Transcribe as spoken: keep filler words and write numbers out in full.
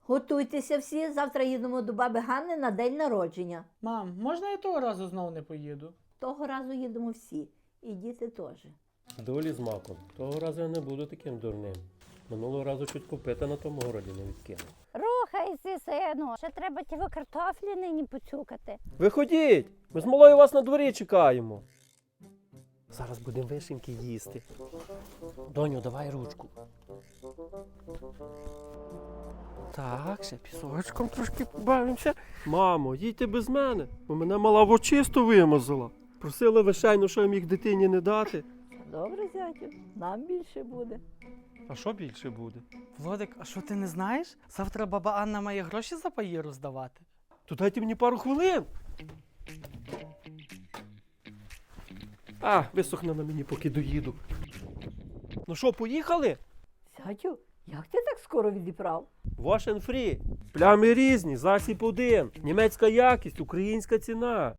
Готуйтеся всі, завтра їдемо до баби Ганни на день народження. Мам, можна я того разу знову не поїду? Того разу їдемо всі, і діти теж. Долі з маком. Того разу я не буду таким дурним. Минулого разу чуть копита на тому городі не відкинув. Рухайся, сину, ще треба ті ви картофлі нині поцюкати. Виходіть! Ми з малою вас на дворі чекаємо. Зараз будемо вишеньки їсти. Доню, давай ручку. Так, ще пісочком трошки побавимося. Мамо, їдьте без мене, бо мене мала в очисто вимазала. Просила вишейно, що я міг дитині не дати. Добре, зятю, нам більше буде. А що більше буде? Владик, а що ти не знаєш? Завтра баба Анна має гроші за паї роздавати. То дайте мені пару хвилин. А, висохне на мені, поки доїду. Ну що, поїхали? Зятю, як ти так скоро відібрав? Wash and free. Плями різні, засіб один. Німецька якість, українська ціна.